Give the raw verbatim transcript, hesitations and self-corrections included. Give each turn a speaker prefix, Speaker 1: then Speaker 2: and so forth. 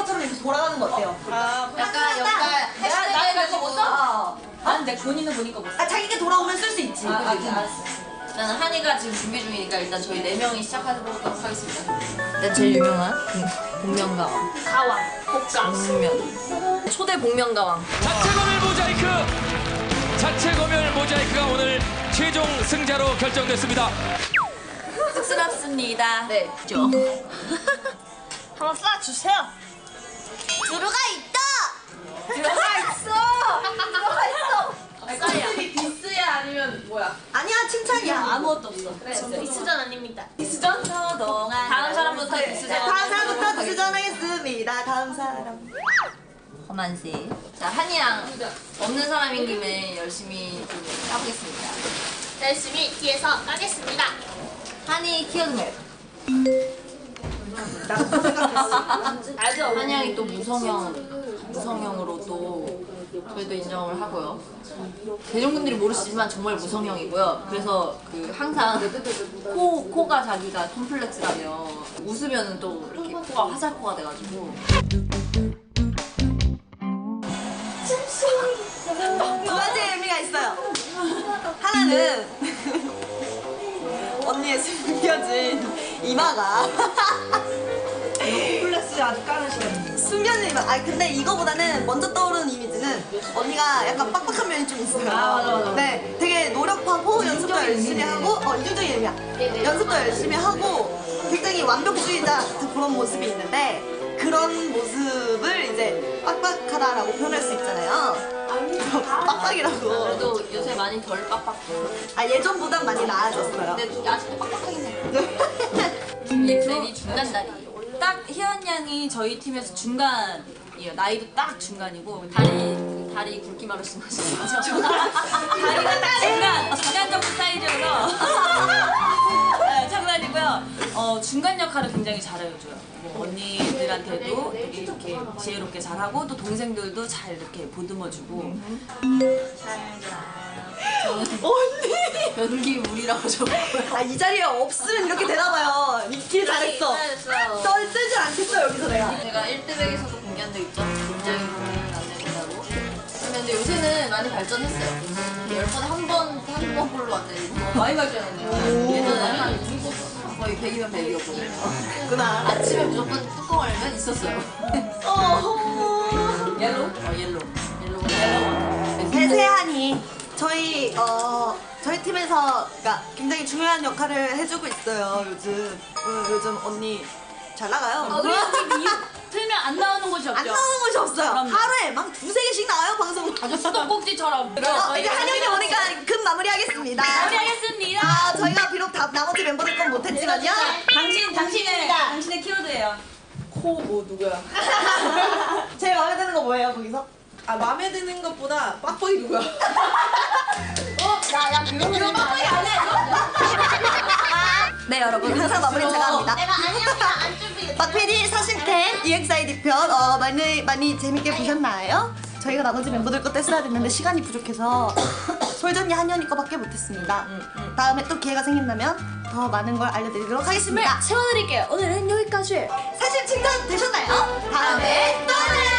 Speaker 1: 것처럼 이렇게 돌아가는 거 어때요?
Speaker 2: 아,
Speaker 3: 약간 약간
Speaker 2: 내가 나의 내거 못 써?
Speaker 1: 아,
Speaker 2: 아, 내 본인은 보니까 못 써.
Speaker 1: 아 자기가 돌아오면 쓸 수 있지.
Speaker 2: 아,
Speaker 1: 그치?
Speaker 2: 알았어. 일단 한이가 지금 준비 중이니까 일단 저희 네 명이 시작해보도록 하겠습니다. 일단 제일 유명한 복면가왕.
Speaker 3: 가왕, 복강.
Speaker 2: 복면. 초대 복면가왕.
Speaker 4: 자체 검열 모자이크! 자체 검열 모자이크가 오늘 최종 승자로 결정됐습니다.
Speaker 2: 쑥스럽습니다. 네. 죠.
Speaker 3: 한번 쏴주세요.
Speaker 1: 들어가 있다.
Speaker 2: 들어가 있어! 들어가 있어!
Speaker 3: 쌀이야.
Speaker 2: 디스야 아니면 뭐야?
Speaker 1: 아니야 칭찬이야.
Speaker 2: 아무것도 없어. 그래.
Speaker 3: 디스전 아닙니다.
Speaker 2: 디스전?
Speaker 1: 그동안
Speaker 2: 다음 사람부터 디스전.
Speaker 1: 다음 사람부터 디스전하겠습니다. 다음 사람.
Speaker 2: 허만씨. 자, 한이양 없는 사람인 김에 열심히 좀 까보겠습니다.
Speaker 3: 열심히 뒤에서 까겠습니다.
Speaker 2: 한이 키워드맵.
Speaker 1: 나도 생각했어.
Speaker 3: 알죠?
Speaker 2: 한양이 또 무성형, 무성형으로 또 저희도 인정을 하고요. 대중분들이 모르시지만 정말 무성형이고요. 그래서 그 항상 코, 코가 자기가 콤플렉스라며 웃으면 또 이렇게 코가 화살코가 돼가지고
Speaker 1: 두 가지 의미가 있어요. 하나는 언니의 숨겨진 이마가
Speaker 2: 콤플렉스 아주 까르시네.
Speaker 1: 숨겨진 이마. 아 근데 이거보다는 먼저 떠오르는 이미지는 언니가 약간 빡빡한 면이 좀 있어요.
Speaker 2: 아, 맞아, 맞아.
Speaker 1: 네, 되게 노력하고 연습도 열심히 하고 어 이중적인 의미야. 연습도 열심히 하고 굉장히 완벽주의자 같은 그런 모습이 있는데 그런 모습을 이제 빡빡하다라고 표현할 수 있잖아요. 빡빡이라고.
Speaker 2: 그래도 요새 많이 덜 빡빡해.
Speaker 1: 아 예전보단 많이 나아졌어요.
Speaker 2: 근데 아직도 빡빡하긴 해. 이 중간 다리.
Speaker 5: 딱 희연 양이 저희 팀에서 중간이에요. 나이도 딱 중간이고
Speaker 2: 다리 그 다리 굵기 마르신 거죠?
Speaker 5: 다리가 딱 중간 중간 정도 사이즈여서 네, 장난이고요. 어, 중간 역할을 굉장히 잘해줘요. 뭐 언니들한테도 되게 이렇게 지혜롭게 잘하고 또 동생들도 잘 이렇게 보듬어주고.
Speaker 1: 언니!
Speaker 2: 변기 물이라고 적었고요.
Speaker 1: 아 이 자리에 없으면 이렇게 되나봐요. 믿길 잘했어. 널 쓰질 않겠어 여기서 내가.
Speaker 2: 제가 일 대백에서도 공개한 적 있죠? 굉장히 공개는 안 된다고. 근데 요새는 많이 발전했어요. 열 번에 한 번, 한 번 꼴로 왔는데 많이 발전했네요. 예전에 한 거의 백이면 백이었거든요.
Speaker 1: 구나.
Speaker 2: 아침에 무조건 뚜껑 열면 있었어요.
Speaker 1: 어.
Speaker 2: 옐로우? 어, 옐로우. 옐로우가 옐로우.
Speaker 1: 배세한이 저희 어 저희 팀에서 그러니까 굉장히 중요한 역할을 해주고 있어요 요즘. 어, 요즘 언니 잘 나가요.
Speaker 5: 우리 팀 틀면 안 나오는 곳이 없죠?
Speaker 1: 안 나오는 곳이 없어요.
Speaker 5: 그럼요.
Speaker 1: 하루에 막 두세 개씩 나와요 방송.
Speaker 5: 아주 수도꼭지처럼.
Speaker 1: 어, 이제 한영이 오니까 급 마무리하겠습니다.
Speaker 5: 마무리하겠습니다.
Speaker 1: 아 저희가 비록 다, 나머지 멤버들 건 못했지만요.
Speaker 5: 당신 당신의 당신의 키워드예요.
Speaker 2: 코 뭐 누구야?
Speaker 1: 제일 마음에 드는 거 뭐예요 거기서?
Speaker 2: 아 마음에 드는 것보다 빡빡이 누구야?
Speaker 1: 야야 그런 거 빡빡이 안 해. 네 여러분 항상 마무리 제가 합니다.
Speaker 3: 내가 아니었다 안 준비했어.
Speaker 1: 박피디 사심캠 이엑스아이디 편 어, 많이 많이 재밌게 보셨나요? 저희가 나머지 멤버들 거 뗐어야 됐는데 시간이 부족해서 솔전이 한현이 거밖에 못했습니다. 다음에 또 기회가 생긴다면 더 많은 걸 알려드리도록 하겠습니다.
Speaker 3: 채워드릴게요. 오늘은 여기까지.
Speaker 1: 사실 칭찬 되셨나요? 다음에 또 만나요.